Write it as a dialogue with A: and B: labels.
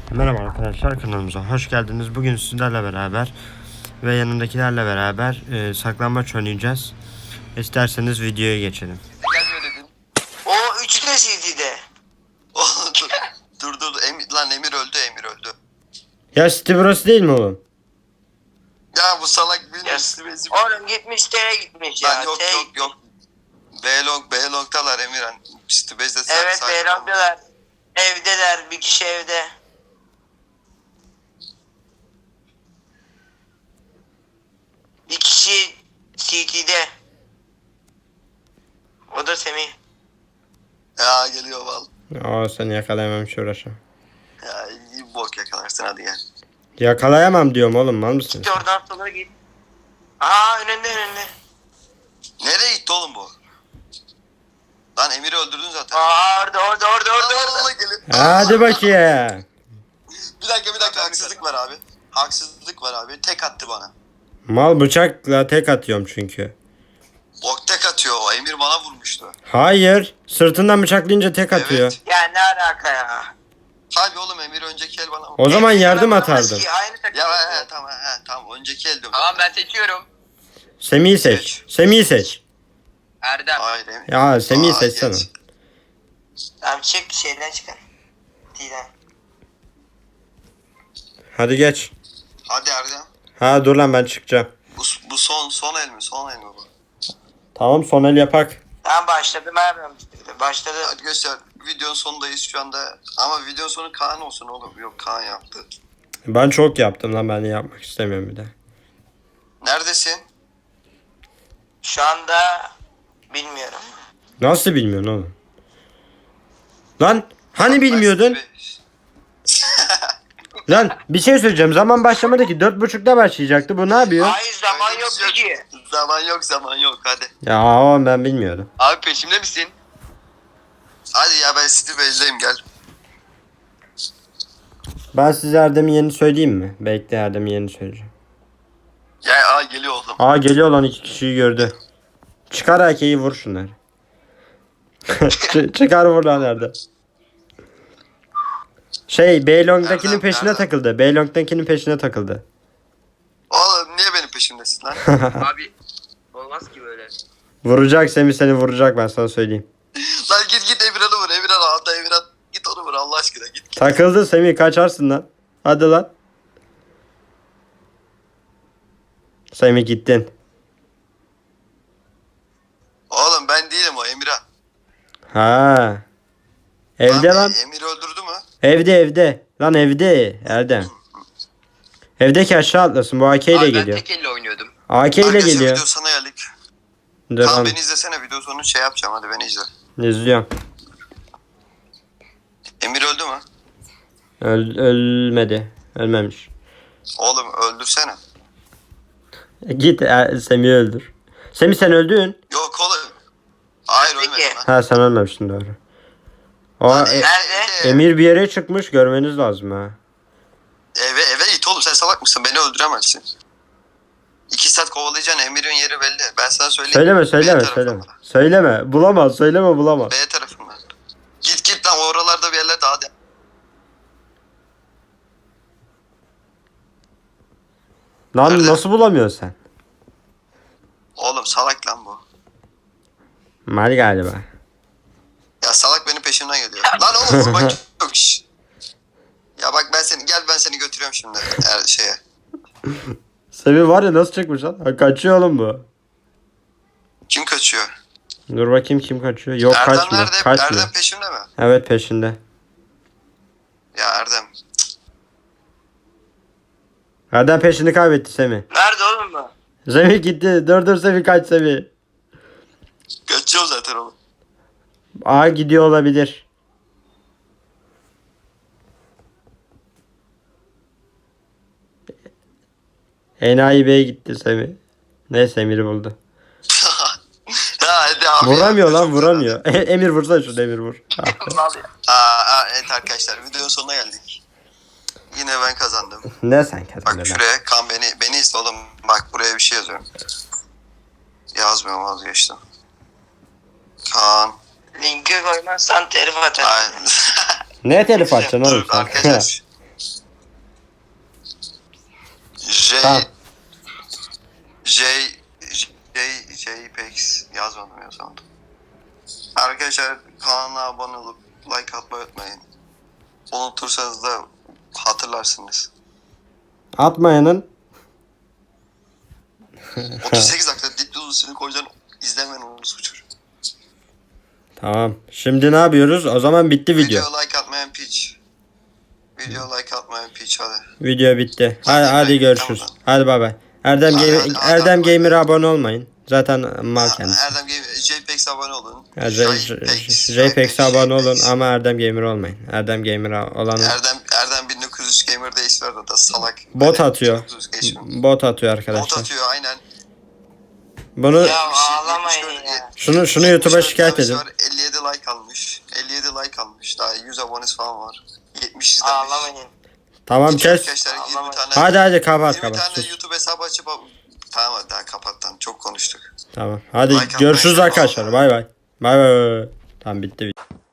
A: Merhaba arkadaşlar, kanalımıza hoş geldiniz. Bugün sizlerle beraber ve yanındakilerle beraber saklambaç oynayacağız. İsterseniz videoya geçelim.
B: Gelmiyor dedin.
C: O üçü de CD'de.
B: Dur. Emir öldü.
A: Ya City burası değil mi oğlum?
B: Ya bu salak bir
C: Yes.
B: bezim.
C: Oğlum gitmiş T'ye gitmiş ya.
B: Lan yok. B-Long'dalar Emirhan. Stübez'de
C: Evet Beyran'dalar. Evdeler, bir kişi evde. Bir kişi CT'de. O da Semih.
B: Ya geliyor val.
A: Aa, seni yakalayamam, hiç uğraşamam.
B: Ya iyi bok yakalarsın, hadi gel.
A: Yakalayamam diyorum oğlum, mal mısın?
C: Git oradan sola git. Aa önünde.
B: Nereye gitti oğlum bu? Lan Emir'i öldürdün zaten.
C: Aa orada.
B: Allah geliyor.
A: Hadi bakayım.
B: Bir dakika haksızlık var abi. Tek attı bana.
A: Mal bıçakla tek atıyorum çünkü.
B: Bok tek atıyor, o Emir bana vurmuştu.
A: Hayır, sırtından bıçaklayınca tek atıyor.
B: Evet.
C: Ya ne alaka ya?
B: Tabii oğlum, Emir önceki el bana vurdu.
A: O zaman yardım
C: Emir
A: atardın.
C: bulamaz ki, Aynı takım.
B: Ya tamam önceki el diyorum.
D: Tamam ben seçiyorum.
A: Semih'i seç. Semih'i seç.
D: Erdem.
B: Hayır Emir.
A: Ya Semih'i
B: Aa,
A: seçsene.
B: geç.
C: Tamam çık şeyden çıkın. D'den.
A: Hadi geç.
B: Hadi Erdem.
A: Ha dur lan, ben çıkacağım.
B: Bu son el mi? Son el mi bu?
A: Tamam, son el yapak.
C: Tamam başladı Merve. Başladı.
B: Hadi göster. Videonun sonundayız şu anda. Ama videonun sonu Kaan olsun oğlum. Yok, Kaan yaptı.
A: Ben çok yaptım lan, ben de yapmak istemiyorum bir de.
B: Neredesin?
C: Şu anda bilmiyorum.
A: Nasıl bilmiyorsun oğlum? Lan hani bilmiyordun? Lan bir şey söyleyeceğim. Zaman başlamadı ki. 4.30'da başlayacaktı. Bu ne yapıyor?
C: Hayır zaman yok ki.
B: Zaman yok hadi.
A: Ya oğlum, ben bilmiyordum.
D: Abi peşimde misin?
B: Hadi ya, ben City Base'deyim, gel.
A: Ben size Erdem'in yerini söyleyeyim mi? Bekle, Erdem'in yerini söyleyeceğim.
B: Ya geliyor oğlum.
A: Aa, geliyor lan, 2 kişiyi gördü. Çıkar AK'yi, vur şunları. Çıkar vur lan Erdem. Beylong'dakinin
B: Erdem,
A: peşine
B: Erdem.
A: takıldı. Beylong'dakinin peşine takıldı.
B: Oğlum niye benim peşimdesin lan?
D: Abi olmaz ki böyle.
A: Vuracak Semih, seni vuracak, ben sana söyleyeyim.
B: Lan git Emirhan'ı vur. Emirhan. Git onu vur Allah aşkına, git.
A: Takıldı Semih, kaçarsın lan. Hadi lan. Semih gittin.
B: Oğlum ben değilim, o Emirhan.
A: Ha. Evde lan.
B: Emir'i öldürdü mü?
A: Evde. Lan evde Erdem. Evdeki aşağı atlasın. Bu AK ile
D: Abi ben
A: geliyor.
D: tek elle oynuyordum.
A: AK ile
B: Arkadaşlar,
A: geliyor.
B: video sana geldik.
A: Dur
B: Kaan
A: lan.
B: beni izlesene, video sonu şey yapacağım, hadi beni izle.
A: İzliyorum.
B: Emir öldü mü?
A: Ölmedi. Ölmemiş.
B: Oğlum öldürsene.
A: Git Semih'i öldür. Semih, sen öldün.
B: Yok oğlum. Hayır
C: Peki.
B: ölmedim lan.
A: Ha, sen ölmemişsin, doğru. O
C: Nerede?
A: Emir bir yere çıkmış, görmeniz lazım ha.
B: Eve git oğlum, sen salak mısın? Beni öldüremezsin. 2 saat kovalayacaksın, Emir'in yeri belli. Ben sana söyleyeyim.
A: Söyleme. Söyleme. Bulamaz. Bulamaz.
B: B tarafından. Git lan, oralarda bir yerlerde, hadi.
A: Lan
B: Nerede?
A: nasıl bulamıyorsun sen?
B: Oğlum salak lan bu.
A: Mal galiba.
B: Ya salak benim peşimden geliyor. Lan oğlum vurmak yok. Şş. Ya bak ben seni götürüyorum şimdi şeye.
A: Semih var ya, nasıl çıkmış lan? Ha, kaçıyor oğlum bu.
B: Kim kaçıyor?
A: Dur bakayım, kim kaçıyor? Yok,
B: Erdem
A: kaçmıyor.
B: nerede?
A: Kaçmıyor.
B: Erdem peşimde mi?
A: Evet, peşinde.
B: Ya Erdem.
A: Erdem peşini kaybetti Semih.
C: Nerede oğlum bu?
A: Semih gitti. Dur Semih, kaç Semih.
B: Kaçıyor zaten oğlum.
A: A gidiyor olabilir. Enayi Bey gitti Semih. Neyse, Emir'i buldu.
B: Ya hadi abi.
A: Vuramıyor
B: ya.
A: lan, vuramıyor. Emir vursana şunu, Emir vur.
B: Evet arkadaşlar, videonun sonuna geldik. Yine ben kazandım.
A: Ne sen
B: Bak
A: kazandın lan?
B: şuraya Kaan beni izle oğlum. Bak buraya bir şey yazıyorum. Yazmıyorum, vazgeçtim. Kaan.
C: Linki koymazsan telif atarım.
B: Aynen.
A: Ne telif açacaksın oğlum
B: Dur
A: sen?
B: arkadaşlar.
A: Tamam.
B: JPEX yazmadım ya sandım. Arkadaşlar kanala abone olup like atmayı unutmayın. Unutursanız da hatırlarsınız.
A: Atmayanın
B: 38 dakika dip uzusunu koyacaksın, izlemeyin onu suçur.
A: Tamam. Şimdi ne yapıyoruz? O zaman bitti video.
B: Video like atmayan piç. Video like atmayan piç hadi.
A: Video bitti. Hadi,
B: Hadi
A: hadi
B: be,
A: görüşürüz.
B: tamam.
A: Hadi bay bay. Erdem
B: Hadi,
A: Gamer,
B: hadi, hadi,
A: Erdem
B: hadi.
A: Gamer'a abone olmayın. Zaten mal kendisi.
B: Erdem Game JPEX abone olun.
A: JPEG'e abone olun ama Erdem Gamer olmayın. Erdem Gamer'a olanı
B: Erdem 1900 gamer değişti orada da salak.
A: bot
B: Böyle
A: atıyor.
B: 1900 geçmiyor.
A: Bot atıyor
B: Bot
A: arkadaşlar.
B: atıyor aynen.
A: Bunu
C: Ya ağlamayın ya.
A: şunu YouTube'a şikayet edin.
B: 57 like almış. 57 like almış. Daha 100 abonesi falan var. 70 izlenmiş.
C: Ağlamayın.
A: Tamam kes.
B: Arkadaşlar 20
C: Ağlamayın.
B: tane
A: Hadi kapat
B: 20
A: kapat.
B: tane
A: Sus.
B: YouTube hesabı açıp tamam hadi daha kapat lan. Çok konuştuk.
A: Tamam. Hadi
B: Like
A: görüşürüz
B: atmayı
A: arkadaşlar. Bay bay. Bay bay. Tamam bitti video.